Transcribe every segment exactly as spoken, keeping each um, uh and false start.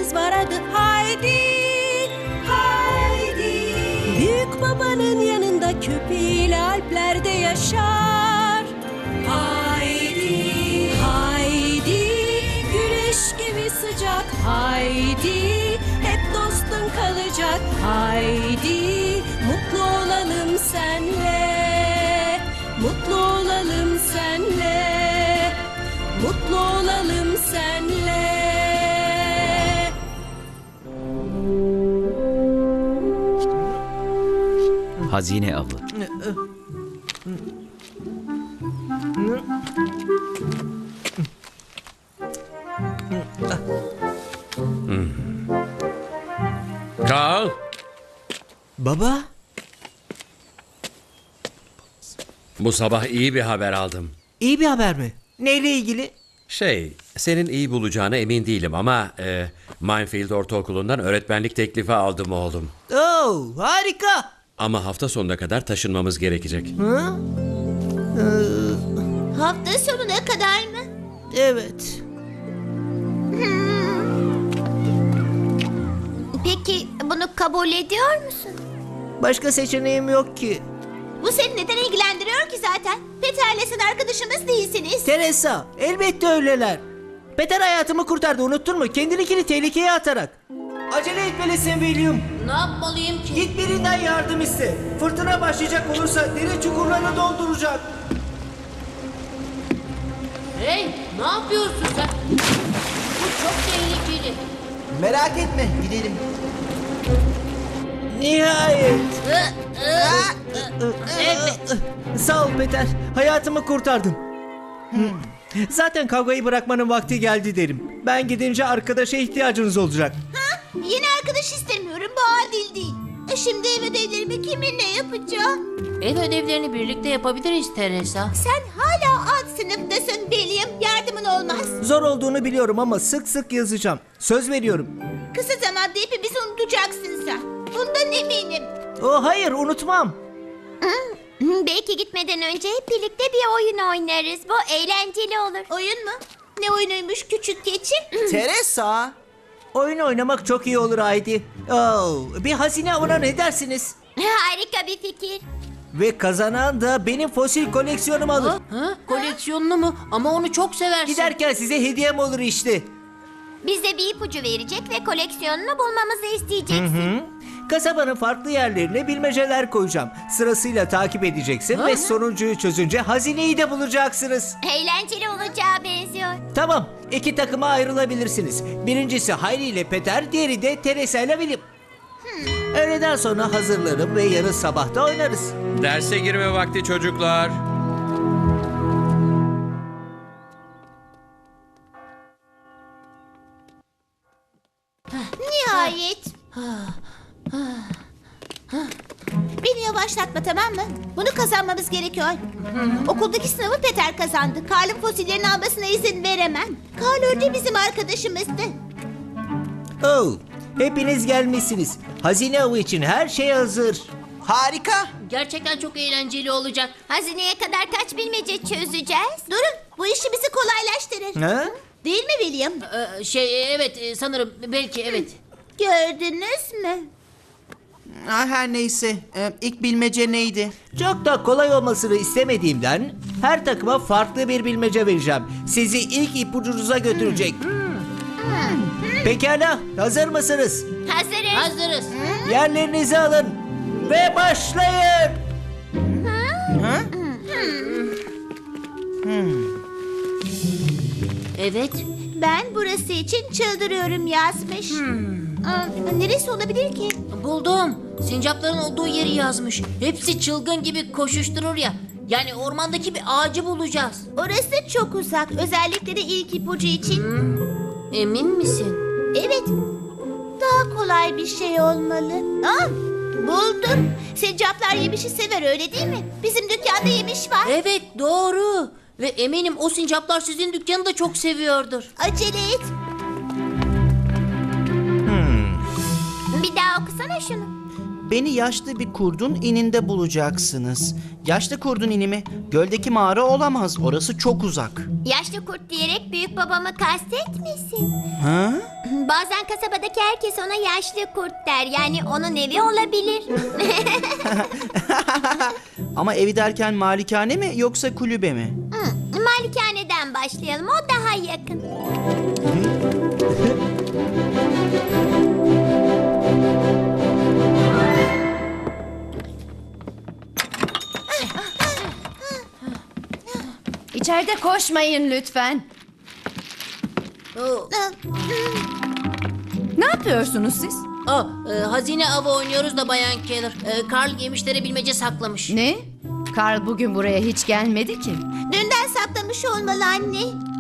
köpeğimiz var, adı Haydi. Haydi. Büyük babanın yanında köpeğiyle Alplerde yaşar. Haydi, Haydi, güneş gibi sıcak. Haydi, hep dostun kalacak. Haydi, mutlu olalım senle, mutlu olalım senle, mutlu olalım senle. Hazine avı. Carl, Baba? bu sabah iyi bir haber aldım. İyi bir haber mi? Neyle ilgili? Şey, senin iyi bulacağına emin değilim ama e, Minefield Ortaokulu'ndan öğretmenlik teklifi aldım oğlum. Oo, harika. Ama hafta sonuna kadar taşınmamız gerekecek. Hı? Hafta sonuna kadar mı? Evet. Peki bunu kabul ediyor musun? Başka seçeneğim yok ki. Bu seni neden ilgilendiriyor ki zaten? Peter'le sen arkadaşımız değilsiniz. Teresa, elbette öyleler. Peter hayatımı kurtardı, unuttun mu? Kendininkini tehlikeye atarak. Acele etmelisin William. Ne yapmalıyım ki? Git birinden yardım iste. Fırtına başlayacak olursa dere çukurlarını dolduracak. Hey, ne yapıyorsun sen? Bu çok tehlikeli. Merak etme, gidelim. Nihayet. Evet. Sağ ol Peter. Hayatımı kurtardın. Zaten kavgayı bırakmanın vakti geldi derim. Ben gidince arkadaşa ihtiyacınız olacak. Yeni arkadaş istemiyorum, bu adil değil. E Şimdi ev ödevlerimi kiminle yapacağım? Ev ödevlerini birlikte yapabiliriz Teresa. Sen hala alt sınıftasın William, yardımın olmaz. Zor olduğunu biliyorum ama sık sık yazacağım. Söz veriyorum. Kısa zamanda hepimizi unutacaksın sen. Bundan eminim. Oh hayır, unutmam. Belki gitmeden önce hep birlikte bir oyun oynarız. Bu eğlenceli olur. Oyun mu? Ne oyunuymuş küçük keçi? Teresa. Oyun oynamak çok iyi olur Haydi. Oh, bir hazine avına ne dersiniz? Harika bir fikir. Ve kazanan da benim fosil koleksiyonumu alır. Ha? Koleksiyonunu mu? Ama onu çok seversin. Giderken size hediyem olur işte. Bize bir ipucu verecek ve koleksiyonunu bulmamızı isteyeceksin. Kasabanın farklı yerlerine bilmeceler koyacağım. Sırasıyla takip edeceksin Ha? ve sonuncuyu çözünce hazineyi de bulacaksınız. Eğlenceli olacağı benziyor. Tamam, iki takıma ayrılabilirsiniz. Birincisi Hayri ile Peter, diğeri de Teresa ile William. Öğleden sonra hazırlarım ve yarın sabah da oynarız. Derse girme vakti çocuklar. Nihayet. Beni yavaşlatma, tamam mı? Bunu kazanmamız gerekiyor. Okuldaki sınavı Peter kazandı. Karl'ın fosillerini almasına izin veremem. Karl önce bizim arkadaşımızdı. Oh, hepiniz gelmişsiniz. Hazine avı için her şey hazır. Harika. Gerçekten çok eğlenceli olacak. Hazineye kadar kaç bilmece çözeceğiz? Durun, bu işi bizi kolaylaştırır. Ha? Değil mi William? Ee, şey evet e, sanırım belki evet. Gördünüz mü? Ha, her neyse. Ee, ilk bilmece neydi? Çok da kolay olmasını istemediğimden her takıma farklı bir bilmece vereceğim. Sizi ilk ipucunuza götürecek. Pekala, hazır mısınız? Hazırız. Hazırız. Yerlerinizi alın ve başlayın. Evet. Ben burası için çıldırıyorum yazmış. Aa, neresi olabilir ki? Buldum. Sincapların olduğu yeri yazmış. Hepsi çılgın gibi koşuşturur ya. Yani ormandaki bir ağacı bulacağız. Orası çok uzak. Özellikle de ilk ipucu için. Emin misin? Evet. Daha kolay bir şey olmalı. Aa, buldum. Sincaplar yemişi sever, öyle değil mi? Bizim dükkanda yemiş var. Evet doğru. Ve eminim o sincaplar sizin dükkanı da çok seviyordur. Acele et. Bir daha okusana şunu. beni yaşlı bir kurdun ininde bulacaksınız. Yaşlı kurdun ini mi? Göldeki mağara olamaz. Orası çok uzak. Yaşlı kurt diyerek büyük babamı kastetmesin. Ha? Bazen kasabadaki herkes ona yaşlı kurt der. Yani onun evi olabilir. Ama evi derken malikane mi yoksa kulübe mi? Hı, Malikaneden başlayalım. O daha yakın. İçeride koşmayın lütfen. Oo, Ne yapıyorsunuz siz? aa, e, hazine avı oynuyoruz da Bayan Keller. E, Karl yemişlere bilmece saklamış. Ne? Karl bugün buraya hiç gelmedi ki. Dünden saklamış olmalı anne.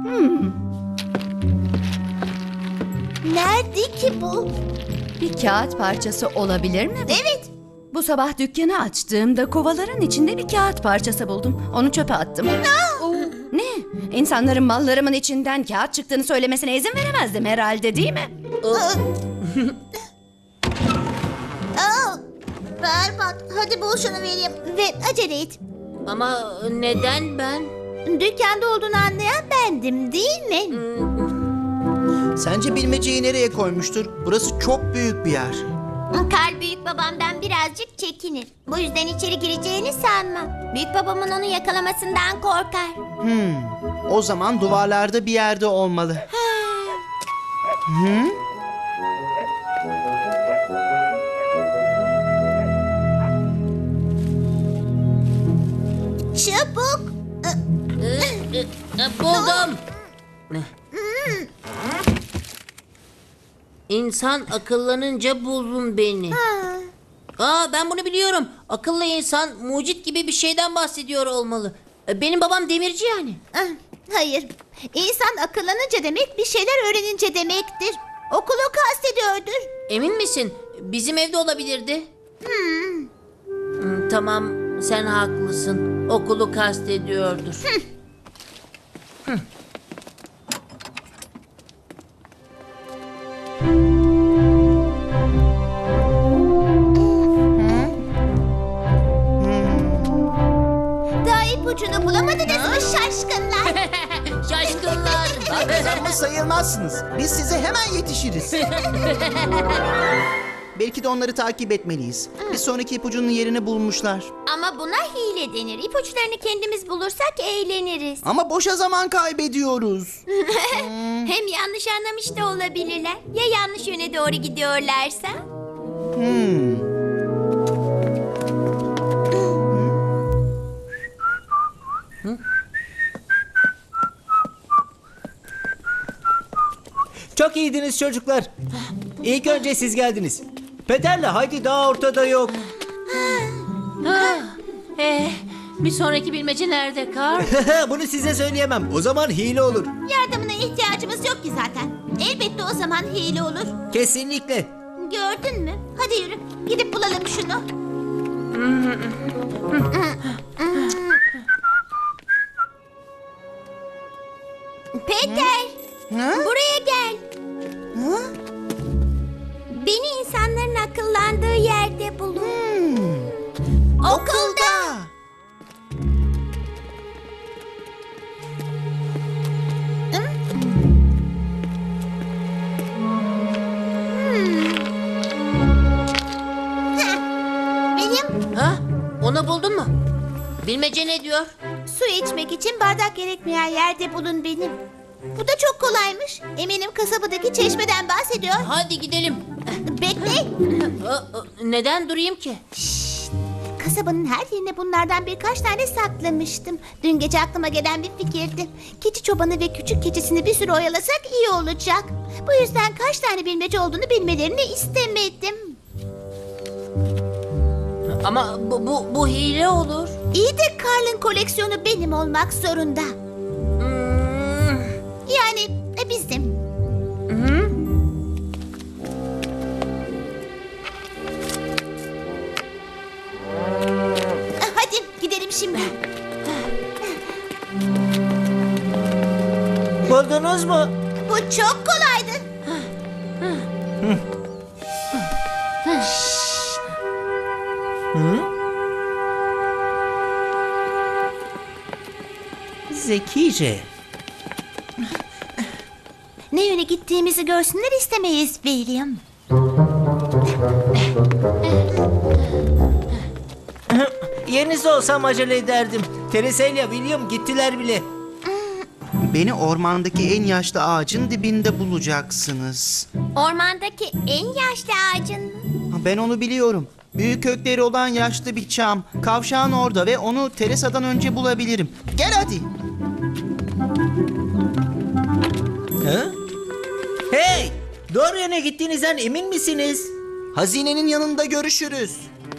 Nerede ki bu? Bir kağıt parçası olabilir mi? bu? Evet. Bu sabah dükkanı açtığımda kovaların içinde bir kağıt parçası buldum. Onu çöpe attım. Ne? İnsanların mallarımın içinden kağıt çıktığını söylemesine izin veremezdim herhalde, değil mi? Aa, berbat. Hadi bul şunu vereyim. Ve acele et. Ama neden ben? Dükkanda olduğunu anlayan bendim değil mi? Sence bilmeceyi nereye koymuştur? Burası çok büyük bir yer. Karl büyük babamdan birazcık çekinir. Bu yüzden içeri gireceğini sanmam. Büyük babamın onu yakalamasından korkar. O zaman duvarlarda bir yerde olmalı. Hı? Çabuk. E, e, buldum. İnsan akıllanınca bulun beni. Aa, ben bunu biliyorum. Akıllı insan mucit gibi bir şeyden bahsediyor olmalı. E, Benim babam demirci yani. Ah, hayır. İnsan akıllanınca demek bir şeyler öğrenince demektir. Okulu kastediyordur. Emin misin? Bizim evde olabilirdi. Hmm, Tamam, sen haklısın. Okulu kastediyordur. Daha ipucunu bulamadınız mı şaşkınlar? Şaşkınlar. Kazanmış sayılmazsınız. Biz size hemen yetişiriz. Belki de onları takip etmeliyiz. Bir sonraki ipucunun yerini bulmuşlar. Ama buna hile denir. İpuçlarını kendimiz bulursak eğleniriz. Ama boşa zaman kaybediyoruz. Hem yanlış anlamış da olabilirler. Ya yanlış yöne doğru gidiyorlarsa? Çok iyiydiniz çocuklar. İlk önce siz geldiniz. Peter'le Haydi daha ortada yok. Eh, bir sonraki bilmece nerede Karl? Bunu size söyleyemem. O zaman hile olur. Yardımına ihtiyacımız yok ki zaten. Elbette o zaman hile olur. Kesinlikle. Gördün mü? Hadi yürü. Gidip bulalım şunu. Peter. Buraya gel. Beni insanların akıllandığı yerde bulun. Okulda. Benim Ha? Onu buldun mu? Bilmece ne diyor? su içmek için bardak gerekmeyen yerde bulun benim. Bu da çok kolaymış. Eminim kasabadaki çeşmeden bahsediyor. Hadi gidelim. Bekle. Aa, aa, Neden durayım ki? Kasabanın her yerine bunlardan birkaç tane saklamıştım. Dün gece aklıma gelen bir fikirdi. Keçi çobanı ve küçük keçisini bir süre oyalasak iyi olacak. Bu yüzden kaç tane bilmece olduğunu bilmelerini istemedim. Ama bu, bu, bu hile olur. İyi de Karl'ın koleksiyonu benim olmak zorunda. Hmm, Yani e, bizim. Hadi gidelim şimdi. Buldunuz mu? Bu çok kolaydı. zekice. Ne yöne gittiğimizi görsünler istemeyiz William. Yerinizde olsam acele ederdim. Teresa ile William gittiler bile. Beni ormandaki en yaşlı ağacın dibinde bulacaksınız. Ormandaki en yaşlı ağacın mı? Ha, Ben onu biliyorum. Büyük kökleri olan yaşlı bir çam. Kavşağın orada ve onu Teresa'dan önce bulabilirim. Gel hadi. Ha? Hey! Doğru yöne gittiğinizden emin misiniz? Hazinenin yanında görüşürüz.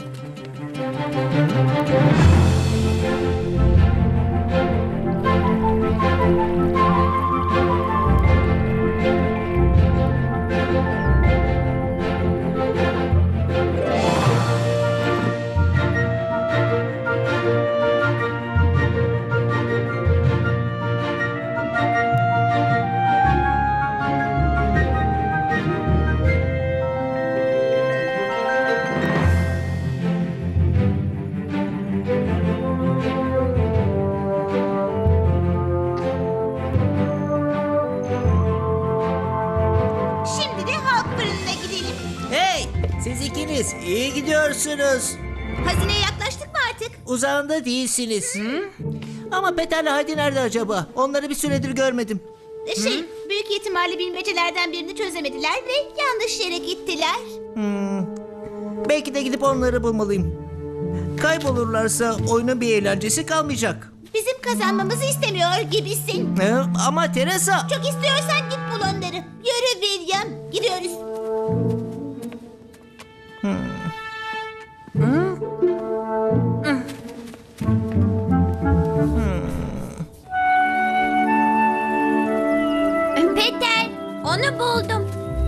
Şimdi de halk fırınına gidelim. Hey! Siz ikiniz iyi gidiyorsunuz. Hazineye yaklaştık mı artık? Uzağında değilsiniz. Ama Peter'le Haydi nerede acaba? Onları bir süredir görmedim. Şey, büyük ihtimalle bilmecelerden birini çözemediler ve yanlış yere gittiler. Belki de gidip onları bulmalıyım. Kaybolurlarsa oyunun bir eğlencesi kalmayacak. Bizim kazanmamızı istemiyor gibisin. Ee, ama Teresa... Çok istiyorsan git bul onları. Yürü William, gidiyoruz. Peter, onu buldum.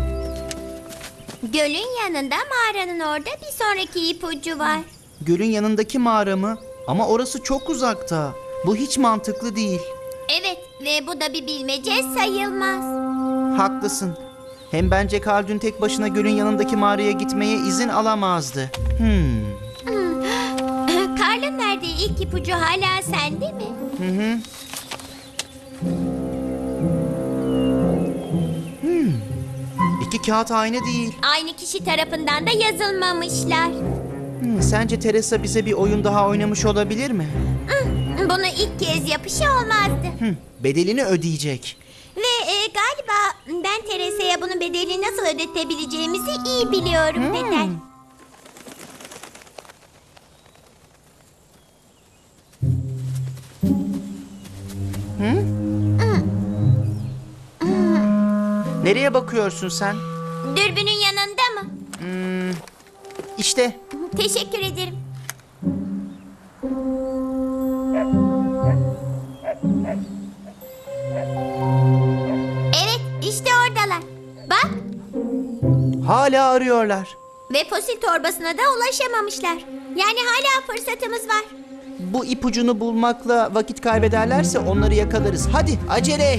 Gölün yanında mağaranın orada bir sonraki ipucu var. Gölün yanındaki mağara mı? Ama orası çok uzakta. Bu hiç mantıklı değil. Evet ve bu da bir bilmece sayılmaz. Haklısın. Hem bence Karl dün tek başına gölün yanındaki mağaraya gitmeye izin alamazdı. Hmm. Karl'ın verdiği ilk ipucu hala sende mi? İki kağıt aynı değil. Aynı kişi tarafından da yazılmamışlar. Hmm, sence Teresa bize bir oyun daha oynamış olabilir mi? Bunu ilk kez yapışı olmazdı. Hmm, bedelini ödeyecek. Ve e, galiba ben Teresa'ya bunun bedelini nasıl ödetebileceğimizi iyi biliyorum Peter. Nereye bakıyorsun sen? Dürbünün yanında mı? İşte. Teşekkür ederim. Evet, işte oradalar. Bak, Hala arıyorlar. ve fosil torbasına da ulaşamamışlar. Yani hala fırsatımız var. Bu ipucunu bulmakla vakit kaybederlerse onları yakalarız. Hadi acele et.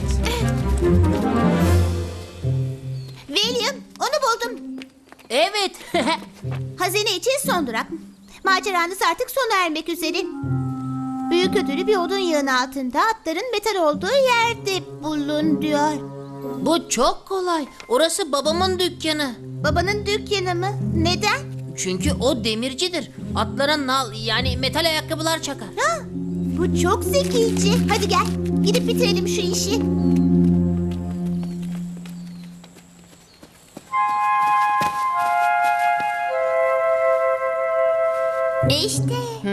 William, onu buldum. Evet. Hazine için son durak. Maceranız artık sona ermek üzere. Büyük ödülü bir odun yığını altında atların metal olduğu yerde bulun diyor. Bu çok kolay. Orası babamın dükkanı. Babanın dükkanı mı? Neden? Çünkü o demircidir. Atlara nal yani metal ayakkabılar çakar. Ha, bu çok zekice. Hadi gel, gidip bitirelim şu işi. E işte.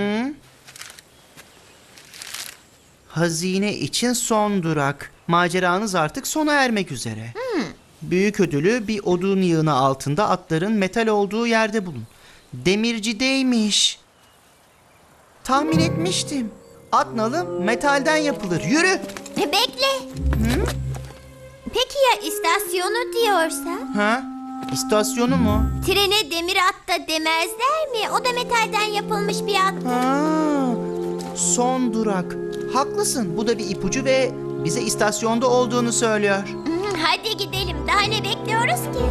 Hazine için son durak. Maceranız artık sona ermek üzere. Büyük ödülü bir odun yığını altında atların metal olduğu yerde bulun. Demircideymiş. Tahmin etmiştim. At nalı metalden yapılır. Yürü. E, bekle. Peki ya istasyonu diyorsa? Ha? İstasyonu mu? Trene demir at da demezler mi? O da metalden yapılmış bir at. Ha, son durak. Haklısın. Bu da bir ipucu ve bize istasyonda olduğunu söylüyor. Hı, hadi gidelim. Daha ne bekliyoruz ki?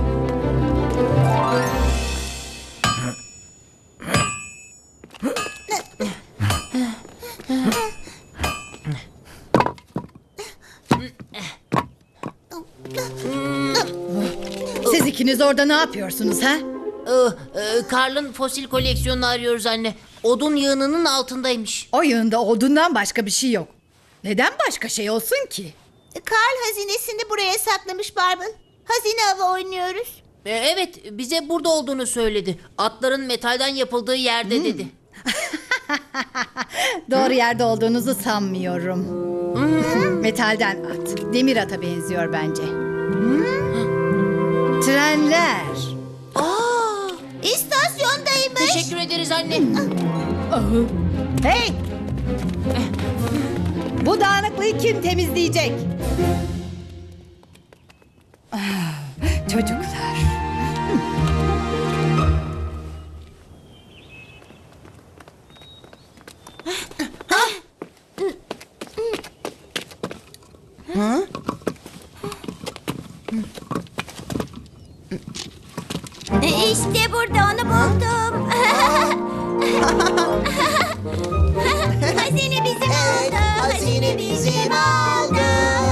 İkiniz orada ne yapıyorsunuz ha? Ee, e, Karl'ın fosil koleksiyonunu arıyoruz anne. Odun yığınının altındaymış. O yığında odundan başka bir şey yok. Neden başka şey olsun ki? Karl hazinesini buraya saklamış Barbel. Hazine avı oynuyoruz. Ee, evet, bize burada olduğunu söyledi. Atların metalden yapıldığı yerde dedi. Doğru yerde olduğunuzu sanmıyorum. Metalden at. Demir ata benziyor bence. Trenler. Aa, istasyondaymış. Teşekkür ederiz anne. Hey! Bu dağınıklığı kim temizleyecek? Ah, çocuklar. İşte burada onu buldum. Hazine bizim oldu. Hazine bizim oldu.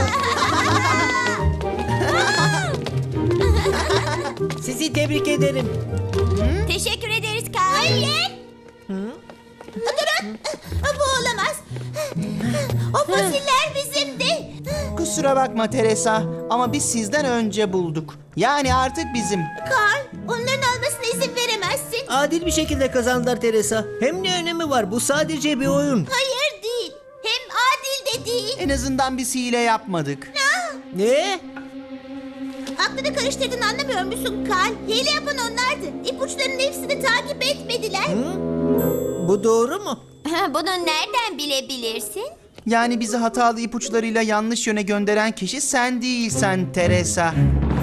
Sizi tebrik ederim. Teşekkür ederiz Karl. Hayır. Durun. Bu olamaz. O fosiller bizimdi. Kusura bakma Teresa ama biz sizden önce bulduk. Yani artık bizim. Karl, onların almasına izin veremezsin. Adil bir şekilde kazandılar Teresa. Hem ne önemi var? Bu sadece bir oyun. Hayır değil. Hem adil de değil. En azından biz hile yapmadık. Ne? Aklını karıştırdın anlamıyor musun Karl? Hile yapan onlardı. İpuçlarının hepsini takip etmediler. Bu doğru mu? Bunu nereden bilebilirsin? Yani bizi hatalı ipuçlarıyla yanlış yöne gönderen kişi sen değilsen Teresa.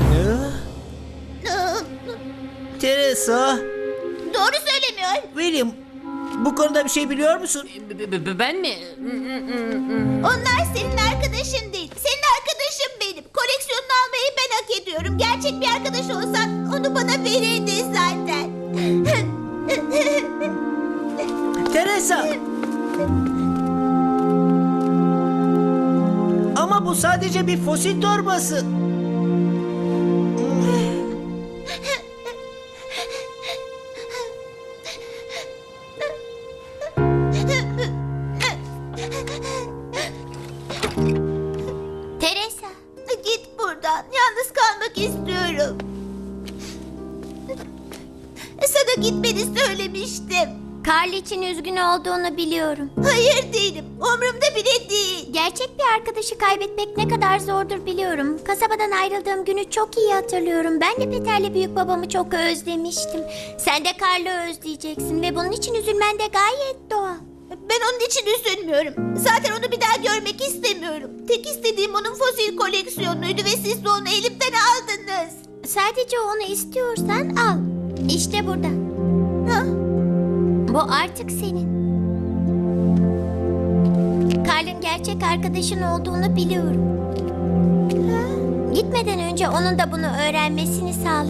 Teresa, Doğru söylemiyor. William, bu konuda bir şey biliyor musun? B- b- b- ben mi? Onlar senin arkadaşın değil. Senin arkadaşın benim. Koleksiyonunu almayı ben hak ediyorum. Gerçek bir arkadaş olsan onu bana verirdin zaten. Teresa! Ama bu sadece bir fosil torbası. Teresa. Git buradan. Yalnız kalmak istiyorum. Sana gitmeni söylemiştim. Karl için üzgün olduğunu biliyorum. Hayır değilim. Umrumda bile değil. Gerçek bir arkadaşı kaybetmek ne kadar zordur biliyorum. Kasabadan ayrıldığım günü çok iyi hatırlıyorum. Ben de Peter'le büyük babamı çok özlemiştim. Sen de Karl'ı özleyeceksin ve bunun için üzülmen de gayet doğal. Ben onun için üzülmüyorum. Zaten onu bir daha görmek istemiyorum. Tek istediğim onun fosil koleksiyonuydu ve siz de onu elimden aldınız. Sadece onu istiyorsan al. İşte burada. Ha? Bu artık senin. Karl'ın gerçek arkadaşın olduğunu biliyorum. Gitmeden önce onun da bunu öğrenmesini sağla.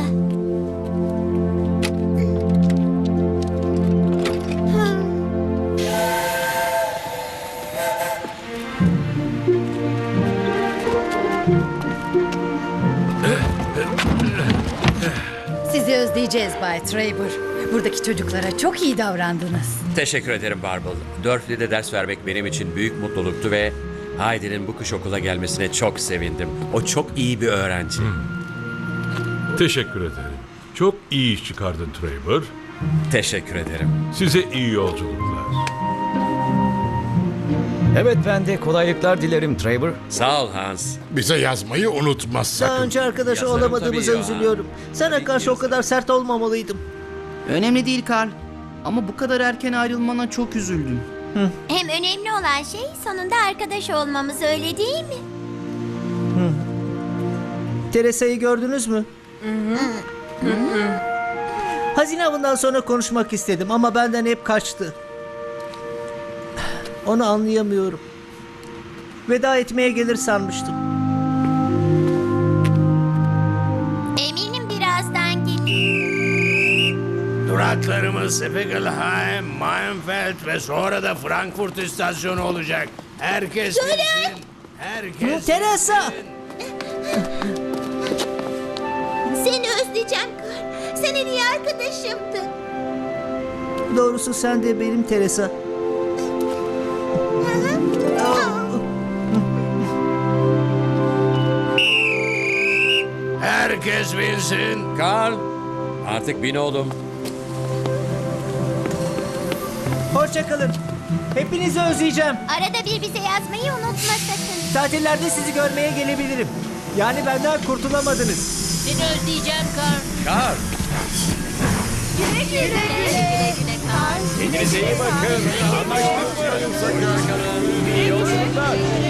Sizi özleyeceğiz Bay Traber. Buradaki çocuklara çok iyi davrandınız. Teşekkür ederim Barbel. Durflee'de ders vermek benim için büyük mutluluktu ve Heidi'nin bu kış okula gelmesine çok sevindim. O çok iyi bir öğrenci. Teşekkür ederim. Çok iyi iş çıkardın Traver. Teşekkür ederim. Size iyi yolculuklar. Evet, ben de kolaylıklar dilerim Traver. Sağ ol Hans. Bize yazmayı unutma Daha sakın. önce arkadaşı Yazarım olamadığımıza tabii ya. üzülüyorum. Sana karşı o kadar sert olmamalıydım. Önemli değil Karl. Ama bu kadar erken ayrılmana çok üzüldüm. Hem önemli olan şey sonunda arkadaş olmamız, öyle değil mi? Teresa'yı gördünüz mü? Hazine avından sonra konuşmak istedim ama benden hep kaçtı. Onu anlayamıyorum. Veda etmeye gelir sanmıştım. Eminim birazdan gelir. Duraklarımız Spiegelheim, Mainfeld ve sonra da Frankfurt istasyonu olacak. Herkes bilsin. Herkes Teresa! Seni özledim. özleyeceğim Kar. Sen en iyi arkadaşımdın. Doğrusu sen de benim Teresa. Herkes binsin. Karl, artık bin oğlum. Hoşçakalın. Hepinizi özleyeceğim. Arada bir bize yazmayı unutma sakın. Tatillerde sizi görmeye gelebilirim. Yani benden kurtulamadınız. Seni özleyeceğim Kar. Karl. Güle güle. Güle güle Kar. Kendinize iyi bakın. Anlaştık mı? İyi yolculuklar.